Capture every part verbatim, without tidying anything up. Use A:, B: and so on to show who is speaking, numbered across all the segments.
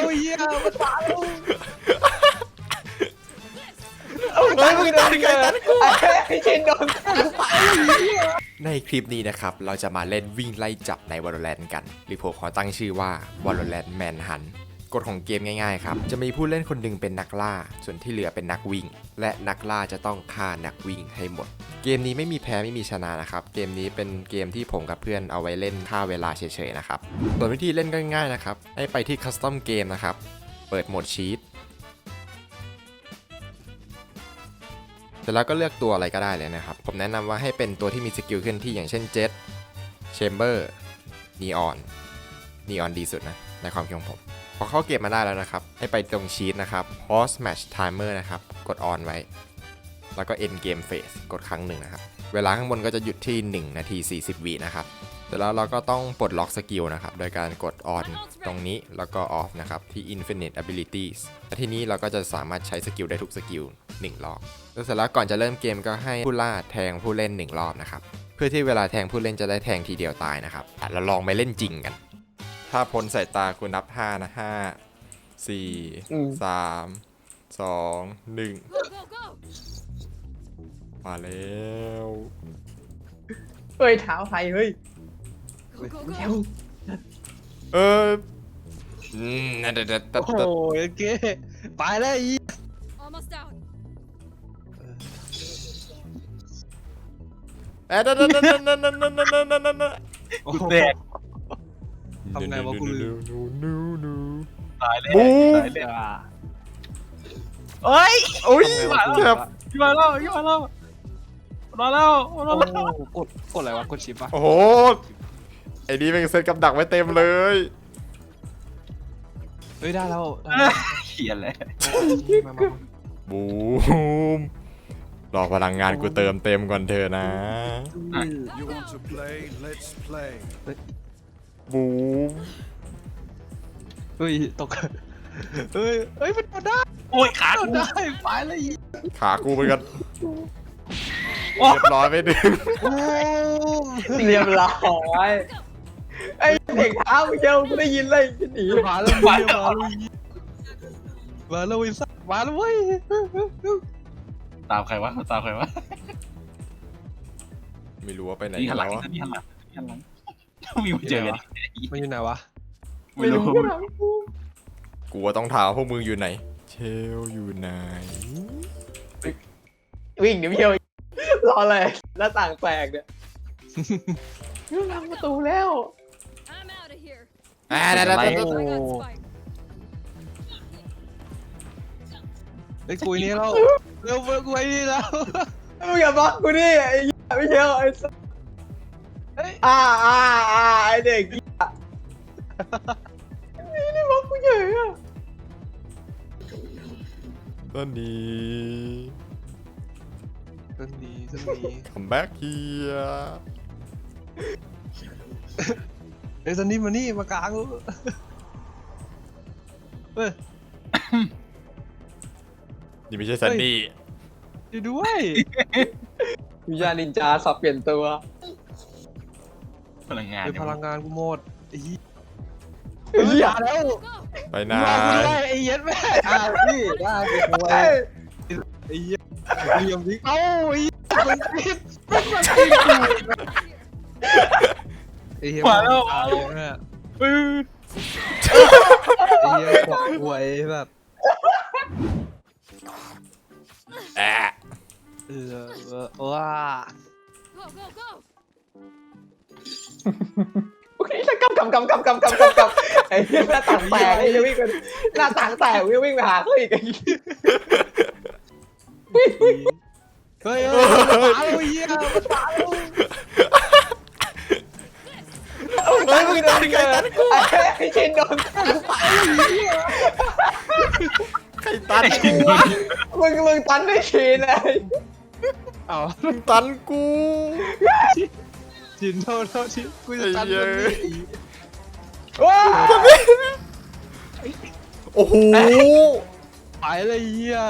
A: เหี้ยมันตายแล้ว
B: เฮ้ยมึงตันกันตันกูไอ้ชินโดนในคลิปนี้นะครับเราจะมาเล่นวิ่งไล่จับใน Valorant กันรีโพขอตั้งชื่อว่า Valorant Manhunt กฎของเกมง่ายๆครับจะมีผู้เล่นคนหนึ่งเป็นนักล่าส่วนที่เหลือเป็นนักวิ่งและนักล่าจะต้องฆ่านักวิ่งให้หมดเกมนี้ไม่มีแพ้ไม่มีชนะนะครับเกมนี้เป็นเกมที่ผมกับเพื่อนเอาไว้เล่นฆ่าเวลาเฉยๆนะครับส่วนวิธีเล่นก็ง่ายๆนะครับให้ไปที่ Custom Game นะครับเปิดโหมดชีตเสร็จแล้วก็เลือกตัวอะไรก็ได้เลยนะครับผมแนะนำว่าให้เป็นตัวที่มีสกิลเคลื่อนที่อย่างเช่น Jet Chamber Neon Neon ดีสุดนะในความคิดของผมพอเข้าเกมมาได้แล้วนะครับให้ไปตรงชีตนะครับ Pause Match Timer นะครับกด On ไว้แล้วก็ End Game Phase กดครั้งหนึ่งนะครับเวลาข้างบนก็จะหยุดที่หนึ่งนาทีสี่สิบวินะครับเสร็จแล้วเราก็ต้องปลดล็อกสกิลนะครับโดยการกด On ตรงนี้แล้วก็ Off นะครับที่ Infinite Abilities และทีนี้เราก็จะสามารถใช้สกิลได้ทุกสกิลหนึ่งรอบแล้วเสร็จแล้วก่อนจะเริ่มเกมก็ให้ผู้ล่าแทงผู้เล่นหนึ่งรอบนะครับเพื่อที่เวลาแทงผู้เล่นจะได้แทงทีเดียวตายนะครับเราลองไปเล่นจริงกันถ้าพ้นสายตาคุณนับห้านะห้า สี่ สาม สอง หนึ่งมาแล้ว
C: เฮ้ยเท้าไทยเฮ้ย
B: เอออืมนั่นเด็ด
A: โอ้ยเก๋ไปแล้วอี
B: เอ๊ะนั่นนั่นนั่นนั่นนั่นนั่นนั่นนั่นนั่นนั่น
A: กูแตกทำไงวะกูลืมตายแล้วตายแล้วเฮ้ย
B: โอ้ยเจ็บ
A: ขึ้นมาแล้วขึ้นมาแล้วมาแล้วมาแล้วกดกดอะไรวะกดชิปปะ
B: โอ้โหไอ้นี่เป็นเซตกับดักไว้เต็มเลย
A: เฮ้ยได้แล้วเขียนเลย
B: บูมรอพลังงานกูเติมเต็มก่อนเธอนะบูม
A: เฮ้ยตกเฮ้ยเฮ้ยมันโดนได้โอ้ยขาโดนได้ไปเลย
B: ขากูไปกันเรียบร้อยไปดึง
C: เรียบร้อยไอ้เด็กเท้าเจ้ากูได้ยินเลยจะหนี
A: มาแล้วมาแล้วมาแล้ววิสัทมาแล้วเว้ยตามใครวะตามใครวะ
B: ไม่รู้ว่าไปไหน
A: กันแล้วมีหันหลังมีหันหลังมีมาเจอมันอยู่ไหนวะ
C: ไม่รู้
B: กูว่าต้องถามพวกมึงอยู่ไหนเชลอยู่ไหน
C: วิ่งเดี๋ยวเพียวรอเลยหน้าต่างแตกเนี่ยยุ่งทำประตูแล้ว
B: อ่าได้ได้ได้
A: ไอ้กุยนี่เราเร็วกุยนี่แล้ว
C: มึงอย่าบล็อกกูดิไอ้ไม่เชียวไอ้อ่าอ่าอ่าไอ้เด็กนี่นี่บล็อกกูเฉยอ่ะ
B: ตอนนี้
A: ตอนนี้ตอนนี้
B: come back here
A: ไอ้ซันนี่มานี่มากลางเฮ้ย
B: นี่ไม่ใช่ซันนี่
A: ดูด้วย
C: วิญญาณนินจาสับเปลี่ยนตัว
A: พลังงานพลังงานกูหมดไอ้ยี่
C: อย่าแล้ว
B: ไปไหน
A: ไอ้เย็ดแม่อ่ะพี่ได้ไปคุยไอ้เย็ดเหลี่ยมทิ้งเอ้าไอ้มันติดมันติดไอ้เหี้ยมาแล้วไอ้เหี้ยขวบหวยแบบ
B: แอะ
A: เออว้า
C: โอเคฉันกำกำกำกำกำกำกำกำไอ้เหี้ยหน้าต่างแตกไอ้เหี้ยวิ่งกันหน้าต่างแตกวิ่งวิ่งไปหาเขาอีกไอ้เหี้ย
A: เฮ้ยเฮ้ยมาแล้วเหี้ยมาแล้ว
B: เฮ้ยมึงตันกันตันกู
C: ไอ้ชินโดน
B: ใครตันกู
C: มึงมึงตันได้ชินเลย
A: เอา
B: มึงตันกู
A: ชินโทษโทษชินกูจะตันมึง
C: ว้า
B: โอ้โห
A: ไปเลยเหี้ย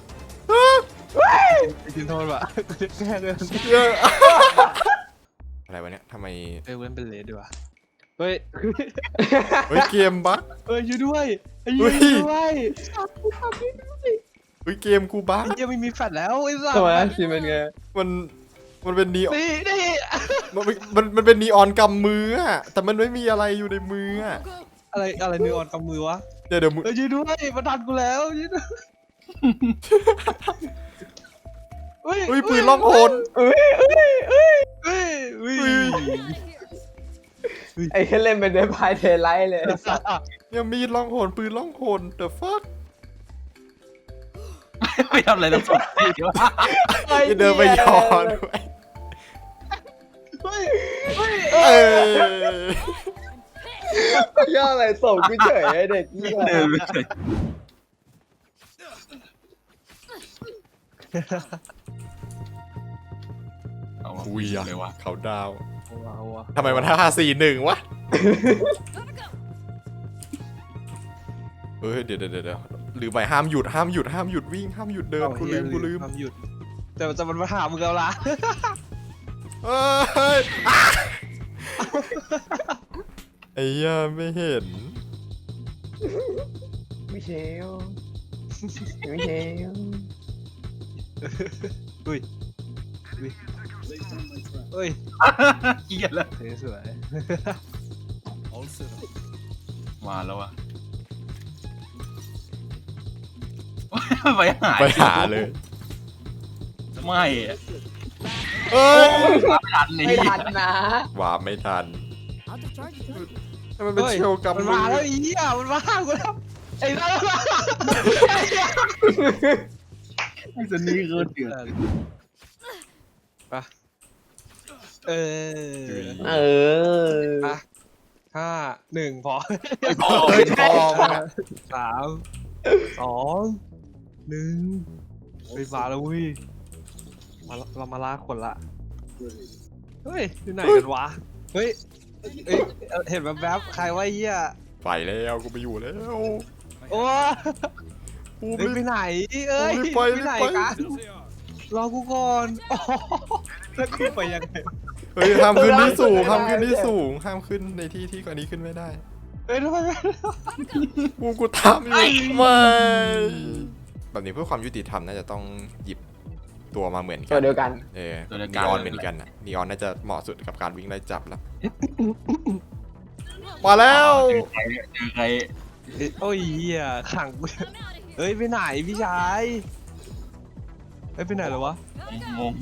A: ชินโทษว่ะกูจะแก้เลย
B: อะไรอะไรวะเนี่ยทำไม
A: เอ้ยเว้นเป็นเลดดีกว่าเฮ้ย
B: เฮ้ยเกมบั๊ก
A: เอ้ยอยู่ด้วยไอ้
B: เฮ้
A: เหี้ย
B: ย
A: อยู่ด้วย
B: เฮ้ยเกมกูบั๊ก
A: ไอ้เหี้ยไม่มีแฟลชแล้วไอ้สัส
C: ทำไมชินเป็นไง
B: มันมันเป็นนีออน
A: นี่นี่
B: มันมันมันเป็นนีออนกำมืออะแต่มันไม่มีอะไรอยู่ในมืออะ
A: อะไรอะไรนิวออนกับมือวะ
B: เดี๋ยวเดี๋ยวมือ
A: เอ้ยอยู่ด้วยมาทันกูแล้วอยู่ด้วยเฮ้ย
B: เฮ้ยปืนล่องหน
C: เอ้ยเอ้ยเอ้ย
A: เฮ้ยเฮ้ย
C: ไอ้เล่นเป็นเดพายเทไลท์เลย
B: เนี่ยมีดล่องหนปืนล่องหน the fuck
D: ไม่ทำอะไรทั้งสองทีเดียว
B: จะเดินไปยอนด้วย
A: เฮ้ยเฮ้ย
B: เอ้ย
C: ย่ออะไรส่งกูเฉยไอ้เด็กนี่
D: เดินไปเฉย
B: คุยอะ
D: เลยวะ
B: เขาดาว
A: ว้าวว่ะ
B: ทำไมมันห้าสี่หนึ่งวะเฮ้ยเดี๋ยวเดี๋ยวเดี๋ยวหรือไปห้ามหยุดห้ามหยุดห้ามหยุดวิ่งห้ามหยุดเดินกูลืมกูลืม
A: ทำหยุดแต่จะมันมาหามึงแล้วล่ะ
B: เอ้ยอ่ะไอ้เหี้ยไม่เห็น
C: มิเชลมิเชล
A: เฮ้ยเฮ้ย
D: เกลียดแล้ว
A: เท่สวย
D: มาแล้วอะไปหา
B: ไปหาเลย
D: ไม่อะ
B: เอ้ย
D: ไม่ทันนี่
C: ไม่ทันนะ
B: วาร์ปไม่ทันมันเป็นเชลกัม
A: มัน
B: มื
A: มา
B: อ
A: แล้วอีอ่ะมันมากูแล้วไอ้นั่นมา
D: ไอ้สันนี่คือเดือด
A: ไปเออ
C: เออ
A: ไปห้าหนึ่งพอ
D: พอ
B: เฮ้ยทองอะ
A: สามสองหนึ่งไปมาแล้วเว้ยมาเรามาล่าคนละเฮ้ยอยู่ไหนกันวะเฮ้ยเอ้ยเห็นแบบแบบๆใครว่าเหี้ย
B: ไปแล้วกูไปอยู่แล้ว
A: โอ้
B: กู
A: เฮ้ย
B: ไม่
A: ไปไหนเอ้ย
B: รีบไป
A: ไปไหน
B: รีบไป
A: กันรอกูก่อนโอ้แล้วกูไปยังไง
B: เฮ้ยห้ามขึ้นที่สูงห้ามขึ้นที่สูงห้ามขึ้นในที่ที่กว่านี้ขึ้นไม่ได้
A: เอ้ยทำไมไม่
B: กูกูทำอยู่ไม่แบบนี้เพื่อความยุติธรรมน่าจะต้องหยิบตัวมาเหมือนกั
C: ตัวเดียวกัน
B: เออนีออนเหมือนกันอะนีออนน่าจะเหมาะสุดกับการวิ่งไล่จับแล้วมาแล้ว
D: เจอใครเจอใคร
A: เอ้ยโอ้ยเหี้ยขังกูเฮ้ยไปไหนพี่ชายเฮ้ยไปไหนเหรอวะ
D: งง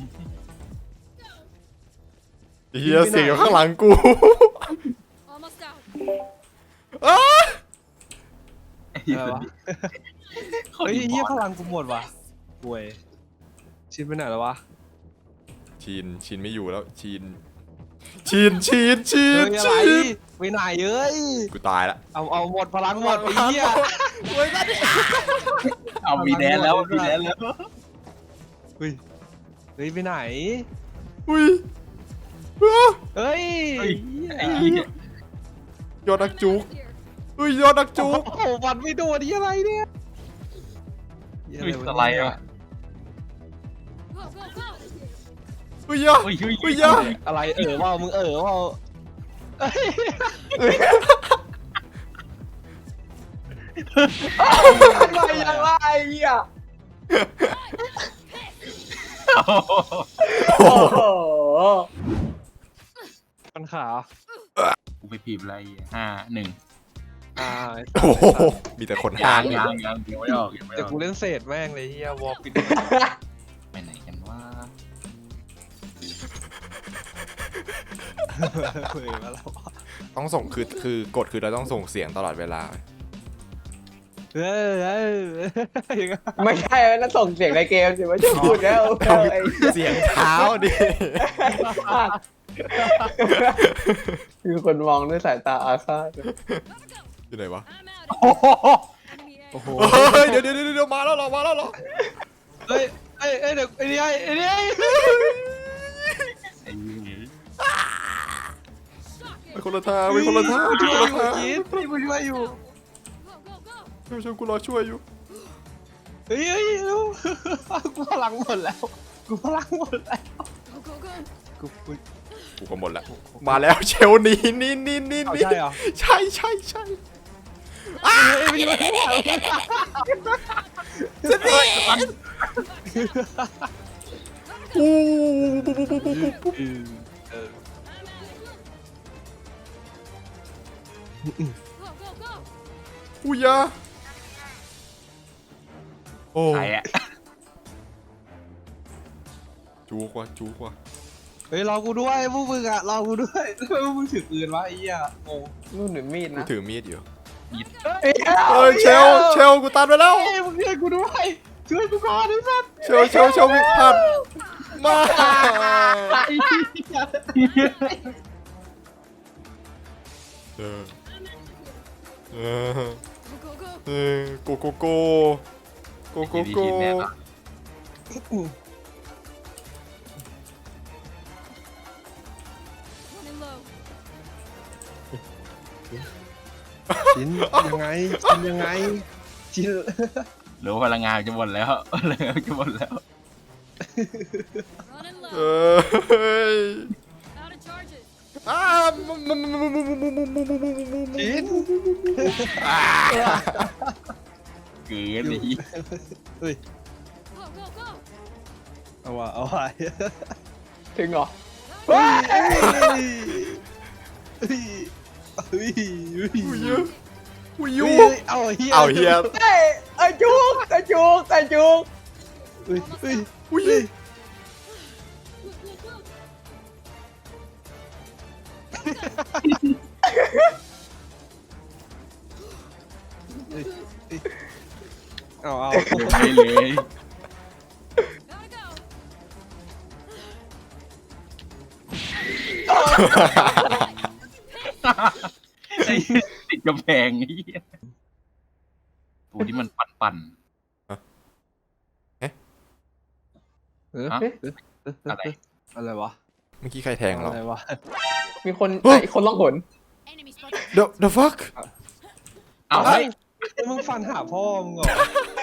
B: เฮียเสียงอยู่ข้างหลังกู
E: Almost out.
B: อ้า
A: อะไรวะเฮ้ยเหี้ยพลังกูหมดว่ะป่วยชินไปไหนแล้ววะ
B: ชินชินไม่อยู่แล้วชินชินชินชิ
A: เฮ้
B: น
A: ยอะไร
B: ชิน
A: ไปไหนเอ้ย
B: กูตายละ
A: เอาเอาหมดพลังหมดไอ้เหี้ย
D: เอามีแดนแล้วมีแดนแล้ว
A: เฮ้ยเฮ้ยไปไหน
B: อุ้ยอ้า
A: เฮ้ย
D: ไอ้เหี้ย
B: ยอดนักจุกอุ้ยยอดนักจุก
A: โอ้โหฟันไม่โดนนี่อะไรเนี่ย
D: อุ้ยอะไรอ่ะ
E: Go, go, go.
B: อุ้ยยะ
D: อุ้ยอุ้ย
B: อุ้ยยะ
A: อะไรเออว่ามึงเออว่าเอ้ย
C: อะไรยังไงอ่ะโอ้โห
A: ปัญขา
D: กูไปพีบอะไรห้าหนึ่ง
A: อ่า
B: โอ้โหมีแต่คนหาย
D: างยางยางยังไม่ออกยังไม่อ
A: แต่
D: อก
A: กูเล่นเศษแม่งเลยเฮียวอลปิด
D: ไปไหนกันว่า
A: เฮ้ยมาแล้ว
B: ต้องส่งคือคือกดคือเราต้องส่งเสียงตลอดเวลา
A: เฮ้ยเฮ้ยยังไง
C: ไม่ใช่นั่นส่งเสียงในเกมสิว่าจะพูดแล้วไอ้
B: เสียงเท้าดิ
C: คือคนมองด้วยสายตาอาฆาต
B: อยู่ไหนวะ
E: I'm out.
A: โอ้โห
B: เฮ้ยเดี๋ยวเดี๋ยวเดี๋ยวมาแล้วเหรอมาแล้วเหรอ
A: เฮ้ยเฮ้ยเฮ้ยเดี๋ยวไอ้นี่ไอ้นี่
D: ไอ้เหี้ย
B: ไปคนละทางไปคนละทางไปคนละทาง
A: ยินพี่มึงช่วยอยู่
E: Go, go, go.
B: ช่วยช่วยกูรอช่วยอยู่
A: เฮ้ยเฮ้ยลูกกูพลังหมดแล้วกูพลังหมดแล้ว
E: Go, go, go.
A: กูกู
B: กูกูก็หมดละมาแล้วเชลนี่นี่นี่นี่
A: เอา
B: นี่
A: ใช่เหรอ
B: ใช่ใช่ใช่
A: เอ้ยไม่ใช่ไม่ใช่
B: จะนี่อู้
A: อืมเออ
E: Go, go, go!
B: อู้ยาโอ้
D: ใครอะ
B: จูกว่าจูกว่า
A: เฮ้ยรอกูด้วยพวกมึงอะรอกูด้วยทำไมพวกมึงถือปืนวะไอ้เหี้ยงง
C: นู่นหรือมีด
B: กู
C: นะ
B: ถือมีดอยู่
C: เอ้ย
B: เอ้ยเชลเชลกูตามไปแล้ว
A: เฮ้ยมึงช่วยกูด้วยช่วยกูก่อนไอ้สัส
B: เชลเชลเชลวิ่งผ่านมา
A: ไอ้เหี้ย
B: เออเออ
E: Go, go, go!
B: เออโกโกโกโกโกโก
D: ทีมเนี่ยนะ
E: Running low.
A: ชิ้นยังไงชิ้นยังไงชิ้น
D: หรือว่าพลังงานจะหมดแล้วพลังงานจะหมดแล้ว
E: Running
B: เอ
E: low.
B: อเฮ้ย
E: Out of charges.
B: อ้ามุมมุมมุมมุมมุมมุมมุมมุมมุมมุมมุม
A: ชิ้น
D: เกินเลย
A: เฮ้ย
E: Go, go, go!
A: เอาว่ะเอาว่ะ
C: ถึงเหรอ
A: เฮ้ยเฮ้ยเฮ้ยเฮ้ย
B: อุ้ยยูอุ้ยยู
A: เฮ้ยเอาเฮีย
B: เอาเฮีย
C: เอ้ยไอ้จุกไอ้จุกไอ้จุก
A: เฮ้ยเฮ้ย
B: อุ้ย
A: เอาเอา
D: ไปเลย
E: Gotta go!
D: ไอ้ติดกำแพงไอ้เหี้ยตัวที่มันปั่น
A: เออ
D: ๆฮะอะไร
A: อะไรวะ
B: เมื่อกี้ใครแทงเรา
A: อะไรวะ
C: มีคนไอ้คนล่องหน
E: Enemy spotted.
B: The the fuck
D: อ้าว
A: เฮ้
D: เฮ้
A: ย
D: ย
A: มึงฟันหาพ่อมึงเหรอ